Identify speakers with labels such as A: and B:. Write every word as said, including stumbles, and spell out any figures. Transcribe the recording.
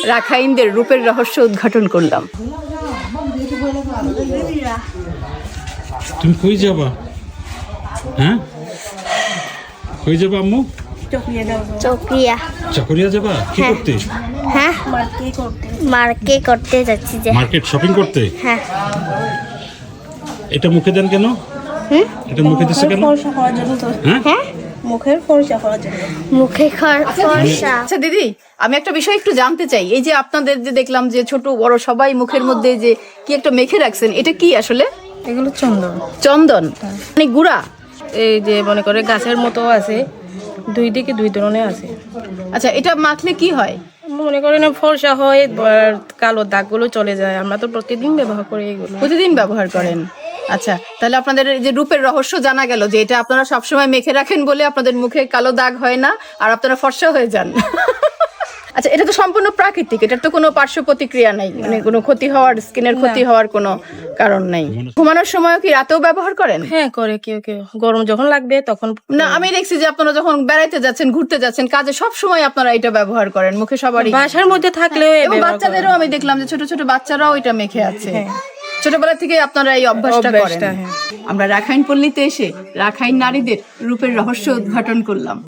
A: রাখাইনদের রূপের রহস্য উদ্ঘাটন করলাম।
B: তুমি কই যাবা? হ্যাঁ, কই যাবা আম্মু?
C: চকরিয়া।
B: চকরিয়া যাবা? কি
C: হ্যাঁ।
B: করতে?
C: হ্যাঁ, মার্কেট করতে যাচ্ছি যে।
B: মার্কেট শপিং করতে?
C: হ্যাঁ।
B: এটা মুখে দেন কেন?
C: হুম?
B: এটা মুখে দিচ্ছে কেন? হ্যাঁ,
C: হ্যাঁ,
D: মুখের ফর্সা হওয়ার জন্য।
C: মুখে ফর্সা।
A: আচ্ছা দিদি, আমি একটা বিষয় একটু জানতে চাই। এই যে আপনাদের যে দেখলাম যে ছোট বড় সবাই মুখের মধ্যে যে কি একটা মেখে রাখছেন, এটা কি আসলে?
D: এগুলো চন্দন।
A: চন্দন মানে গুড়া?
D: এই যে মনে করে গাছের মতো আছে, দুই দিকে দুই ধরনের আছে।
A: আচ্ছা, এটা মাখলে কি হয়?
D: মনে করেন ফর্সা হয়, আর কালো দাগগুলো চলে যায়। আমরা তো প্রতিদিন ব্যবহার করি এগুলো।
A: প্রতিদিন ব্যবহার করেন? আচ্ছা, তাহলে আপনাদের এই যে রূপের রহস্য জানা গেল যে এটা আপনারা সবসময় মেখে রাখেন বলে আপনাদের মুখে কালো দাগ হয় না আর আপনারা ফর্সা হয়ে যান। আচ্ছা, এটা তো সম্পূর্ণ প্রাকৃতিক, এটার তো কোনো পার্শ্ব প্রতিক্রিয়া নাই, মানে কোনো ক্ষতি হওয়ার, স্কিনের ক্ষতি হওয়ার কোনো কারণ নাই। ঘুমানোর সময় কি রাতেও ব্যবহার করেন?
D: হ্যাঁ, করে কেউ কেউ। গরম যখন লাগবে তখন।
A: না, আমি দেখছি যে আপনারা যখন বেড়াইতে যাচ্ছেন, ঘুরতে যাচ্ছেন, কাজে সব সময় আপনারা এটা ব্যবহার করেন মুখে সবারই।
D: বাসার মধ্যে থাকলেও
A: এবং বাচ্চাদেরও আমি দেখলাম যে ছোট ছোট বাচ্চারাও এটা মেখে আছে। ছোটবেলা থেকে আপনারা এই অভ্যাসটা করেন।
D: অভ্যাসটা, হ্যাঁ।
A: আমরা রাখাইন পল্লীতে এসে রাখাইন নারীদের রূপের রহস্য উদ্ঘাটন করলাম।